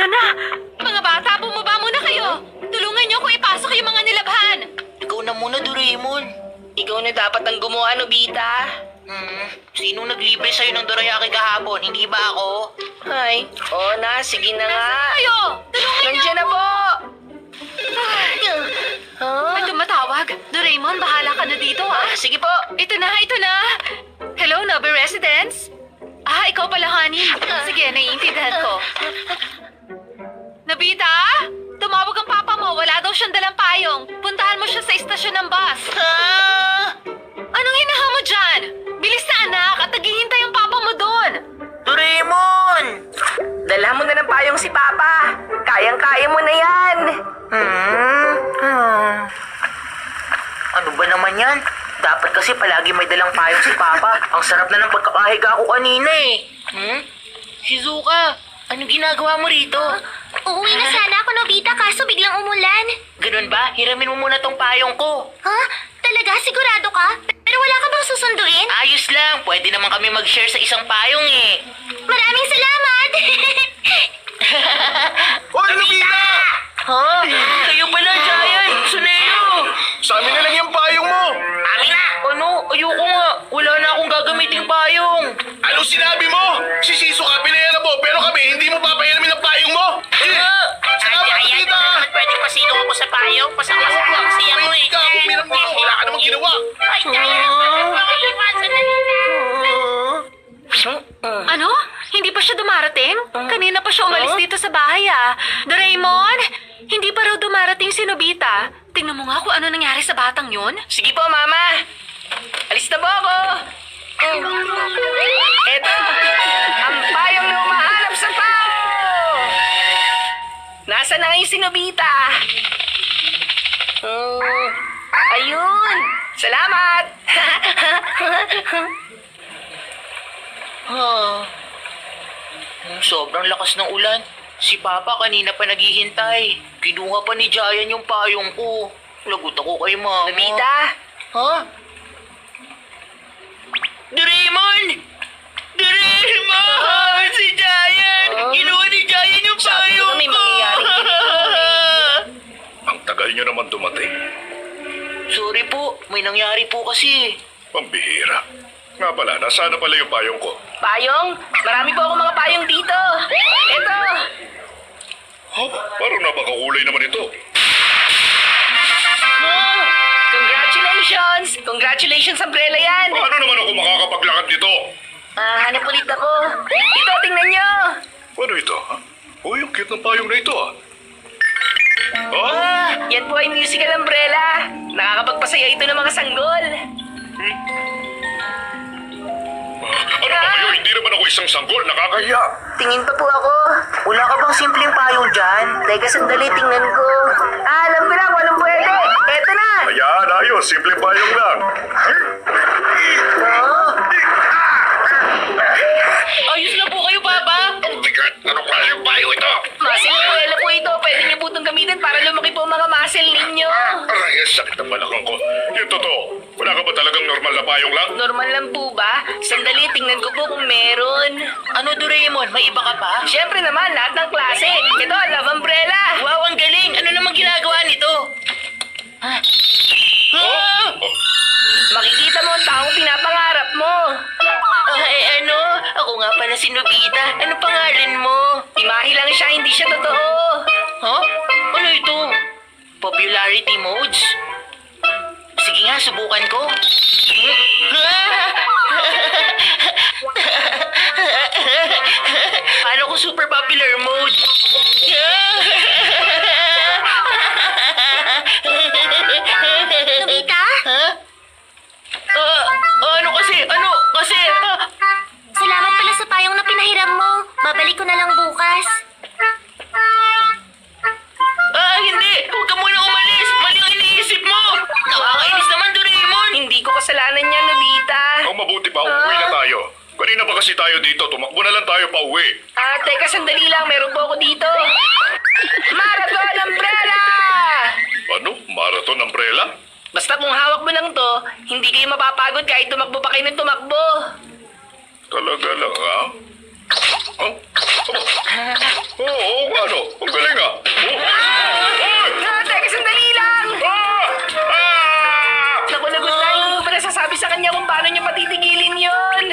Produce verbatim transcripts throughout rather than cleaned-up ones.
Tara na! Mga bata, bumaba muna kayo! Tulungan niyo kung ipasok yung mga nilabhan! Ikaw na muna, Doraemon. Ikaw na dapat ang gumawa, Nobita. Hmm, sinong naglibre sa'yo ng dorayaki kahapon? Hindi ba ako? Ay, oo na, sige na nga. Kayo! Tulungan niyo! Nandiyan na po! May tumatawag. Doraemon, bahala ka na dito ah. Sige po. Ito na, ito na! Hello, Nobby Residence? Ah, ikaw pala, honey. Sige, naiintindihan ko. Nobita? Tumawag ang papa mo. Wala daw siyang dalang payong. Puntahan mo siya sa istasyon ng bus. Ah! Anong hinaha mo dyan? Bilis na, anak, at naghihintay ang papa mo doon. Doraemon! Dala mo na ng payong si Papa. Kayang-kaya mo na yan. Hmm? Hmm. Ano ba naman yan? Dapat kasi palagi may dalang payong si Papa. Ang sarap na ng pagkakahiga ko kanina eh. Hmm? Shizuka, anong ginagawa mo rito? Uuwi na sana ako, Nobita, kaso biglang umulan. Ganun ba? Hiramin mo muna tong payong ko. Ha? Talaga? Sigurado ka? Pero wala ka bang susunduin? Ayos lang, pwede naman kami mag-share sa isang payong eh. Maraming salamat! Hoy, Nobita! Ha? Kayo pala, Giant! Suneo! Sa amin na lang yung payong mo! Amin na! Ano? Ayoko nga. Wala na akong gagamiting payong. Ano sinabi mo? Si Shizuka pinayara mo, pero kami hindi mo papayaramin ang payong mo! Eh, salamat, Nobita! pwedeng pasilong ako sa payong. Pasang-pasang lang siya mo Wait ka, umiram mo! Wala ka namang ginawa! Ay, Giant! Makaliwasan na nila! Ano? Hindi pa siya dumarating? Kanina pa siya umalis dito sa bahay ah. Doraemon, hindi pa raw dumarating si Nobita. Tingnan mo nga kung ano nangyari sa batang yun. Sige po, Mama. Alis na po ako. Eto, ang payong na umahanap sa tao. Nasaan na ngayon si Nobita? Hmm, ayun. Salamat. Ah. Hmm, sobrang lakas ng ulan. Si Papa kanina pa naghihintay. Kinuha pa ni Giant yung payong ko. Lagot ako kay Mama. Nobita, Ha? Doraemon! Doraemon! Si Giant! Huh? Kinuha ni Giant yung Sabi ko payong na may ko! mangyayari Ang tagal nyo naman dumating. Sorry po, may nangyari po kasi. Pambihira. Nga pala, nasaan na pala yung payong ko? payong? Marami po ako mga payong dito. Eto. Oh, parang napakakulay naman ito. Oh, congratulations! Congratulations, umbrella yan! Paano naman ako makakapaglakad nito? Ah, hanap ulit ako. Ito, tingnan nyo! Ano ito, ha? Oh, yung cute ng payong na ito, ha? Oh, Ah, yan po ay musical umbrella. Nakakapagpasaya ito ng mga sanggol. ano ba kayo? Hindi naman ako isang sanggol. Nakakaya. Tingin pa po ako. Wala ka bang simpleng payong dyan? Teka, sandali, tingnan ko. Ah, alam ko na kung anong pwede. Eto na! Ayan, ayos. Simpleng payong lang. Ayos na po kayo, Papa! Oh my God! Ano pa yung payong ito? Muscle umbrella po ito. Pwede niyo po itong gamitin para lumaki po ang mga muscle ninyo. Aray, ang sakit ng balakang ko. Yung totoo, wala ka ba talagang normal na payong lang? Normal lang po ba? Sandali, tingnan ko po kung meron. Ano, Doraemon? May iba ka pa? Siyempre naman, lahat ng klase. Ito, love umbrella. Wow, ang galing! Ano namang ginagawa nito? Ha? Ah! Makikita mo ang taong pinapangarap mo. Ay, ano? Ako nga pala si Nobita. Ano pangalan mo? Imahe lang siya, hindi siya totoo. Ha? Ano ito? Popularity modes? Sige nga, subukan ko. Paano ko super popular mode? Nobita? Ha? Ah, ano kasi? Ano? Kasi? ah, Salamat pala sa payong na pinahiram mo. Babalik ko na lang bukas. Ah, hindi! Huwag ka muna umalis! Mali ang iniisip mo! Nakakainis naman, Doraemon! Hindi ko kasalanan yan, Nobita. Ang mabuti pa, uuwi na tayo. Kanina pa kasi tayo dito, tumakbo na lang tayo pa uwi. Ah, teka, sandali lang. Meron po ako dito. Marathon umbrella! Ano? Marathon umbrella? Basta kung hawak mo lang to, hindi kayo mapapagod kahit tumakbo pa kayo ng tumakbo. Talaga lang, ha? Oh, oh, oo nga ano? Ang galing ah. Oh. Hoy! Ah, teka, sandali lang! Ah! Ah! Naku, lagot na. Hindi ko pa nasasabi sa kanya kung paano niya patitigilin yun.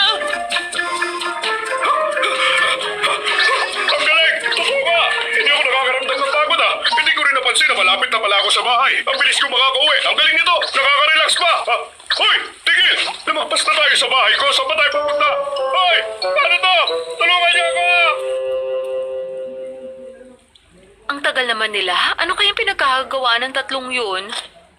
Ang galing! Totoo ka! Hindi ako nakakaramdam ng pagod ah. Hindi ko rin napansin na malapit na pala ako sa bahay. Ang bilis ko makakauwi. Ang galing nito! Nakaka-relax pa! Ah, hoy! Tigil! Lumagpas na tayo sa bahay ko. Saan ba tayo pupunta? Hoy! Ano to? Tulungan niyo ako! Ang tagal naman nila. Ano kayang pinagkakagawa ng tatlong yun?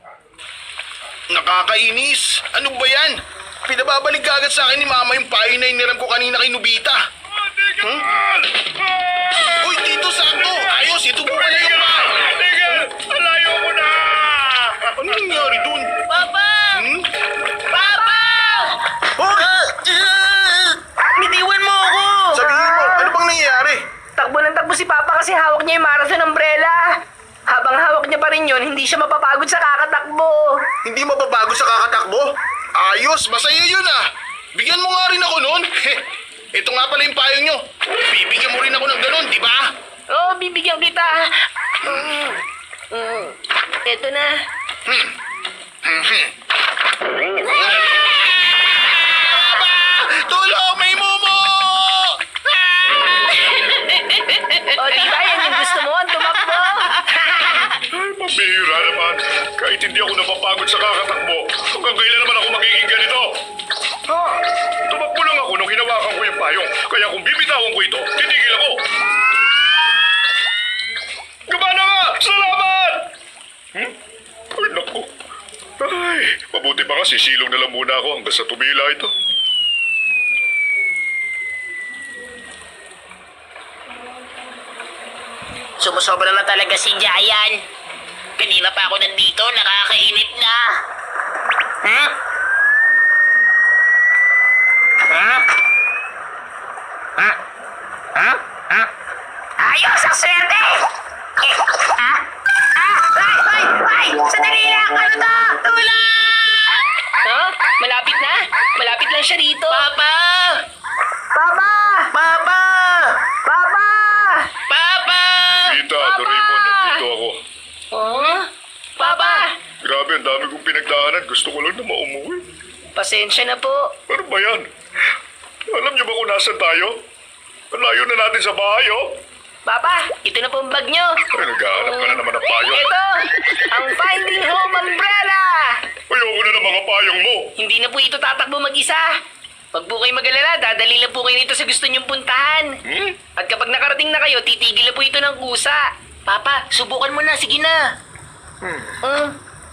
Nakakainis! Ano ba yan? Pinababalik ka agad sa akin ni Mama yung payo na iniram ko kanina kay Nobita. Hmm? Uy, dito sakto! Ayos, ito mo na yung pa! Tigil! Alayo mo na! Ano nangyari dun? Papa! Hmm? Papa! Hoy! Bitiwan mo ako! Sabihin mo, ano bang nangyayari? Takbo ng takbo si Papa kasi hawak niya yung marathon umbrella. Habang hawak niya pa rin yun, hindi siya mapapagod sa kakatakbo. Hindi mababago sa kakatakbo? Ayos, masaya yun ah! Bigyan mo nga rin ako nun! Ito nga pala yung payong nyo. Bibigyan mo rin ako ng ganun, di ba? Oo, bibigyan kita. Mm. Mm. Ito na. Tulong! May mumo! O, diba yan yung gusto mo? Ang tumakbo. Ay, mabihira naman. Kahit hindi ako napapagod sa kakatakbo, hanggang kailan naman ako magiging ganito? Oh, Tumakbo lang ako nung hinawakan ko yung payong. Kaya kung bibitawan ko ito, titigil ako. Gumana nga! Salamat! Hmm? Ay, naku. Ay, mabuti pa nga sisilong na lang muna ako hanggang sa tumila ito. Sumusobra na talaga si Jayan. Kanina pa ako nandito, nakakainit na. Ha? Ha? Ha? Ha? Ha? Ayos ang swerte! Eh, ha? Ha? Ay! Ay! Ay! Sandali lang! Ano to? Tulong! huh? Malapit na. Malapit lang siya rito. Papa! Papa! Papa! Papa! Papa! Tita, Doraemon, nandito ako. Huh? Papa! Grabe, ang dami kong pinagdaanan. Gusto ko lang na maumuwi. Pasensya na po. Ano ba yan? Alam niyo ba kung nasan tayo? Ang layo na natin sa bahay, oh. Papa, ito na po ang bag nyo. Ay, naghahanap ka na naman ng payong. Ito, ang Finding Home Umbrella. Ayoko na ng mga payong mo. Hindi na po ito tatakbo mag-isa. Pag po kayo mag-alala, dadali lang po kayo nito sa gusto nyong puntahan. Hmm? At kapag nakarating na kayo, titigil na po ito ng kusa. Papa, subukan mo na. Sige na. Mm.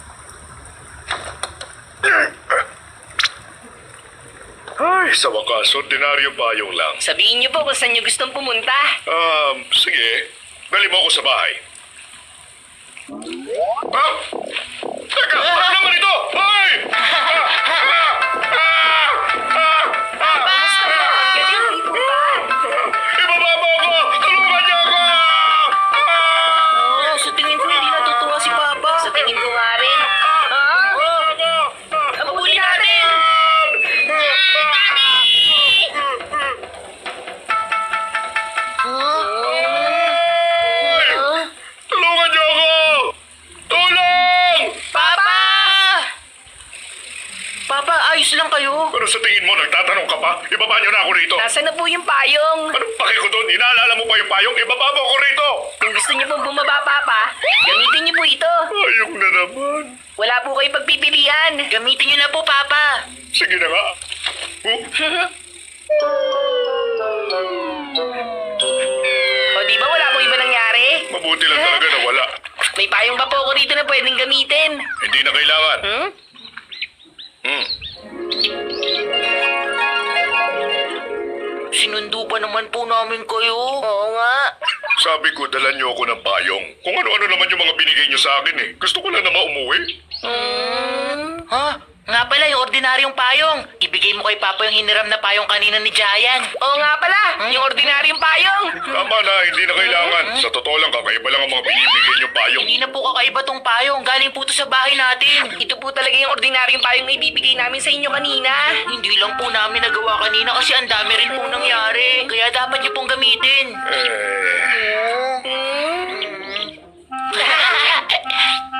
Ay, sa wakas, ordinaryong payong lang. Sabihin niyo po kung saan niyo gustong pumunta. Um, sige. Dali mo ako sa bahay. Ah! Teka! Ano naman ito? Ay! Ah! Ah! Ah! Ah! Ah! Galing, di po ba? Ibaba mo ako! Tulungan niyo ako! Ah! Oh, sa tingin ko hindi natutuwa si Papa. Sa tingin ko nga rin. Ha? Habulin natin! Ay! Tulungan niyo ako! Tulong! Papa! Papa, ayos lang kayo. Pero sa tingin mo, nagtatanong ka pa? Ibaba niyo na ako rito. Nasaan na po yung payong? Anong pake ko doon? Inaalala mo pa yung payong? Ibaba mo ako rito! Kung gusto niyo pong bumaba, Papa, gamitin niyo po ito. Ayok na naman. Wala po kayo pagpipilian. Gamitin niyo na po, Papa. Sige na nga. Huh? O di ba wala po iba nangyari? Mabuti lang talaga na wala. May payong pa po ako dito na pwedeng gamitin. Hindi na kailangan. Hmm? Hmm. Sinundo pa naman po namin kayo. Oo nga. Sabi ko, dalan niyo ako ng payong. Kung ano-ano naman yung mga binigay niyo sa akin eh. Gusto ko lang na maumuwi. Hmm. Ha? Nga pala, yung ordinaryong payong. Ibigay mo kay Papa yung hiniram na payong kanina ni Giant. Oo nga pala, yung ordinaryong payong. Tama na, hindi na kailangan. Sa totoo lang, kakaiba lang ang mga binibigay niyo payong. Hindi na po kakaiba tong payong. Galing po to sa bahay natin. Ito po talaga yung ordinaryong payong na ibibigay namin sa inyo kanina. Hindi lang po namin nagawa kanina kasi ang dami rin po nangyari. Kaya dapat niyo pong gamitin. Eh, Hmm?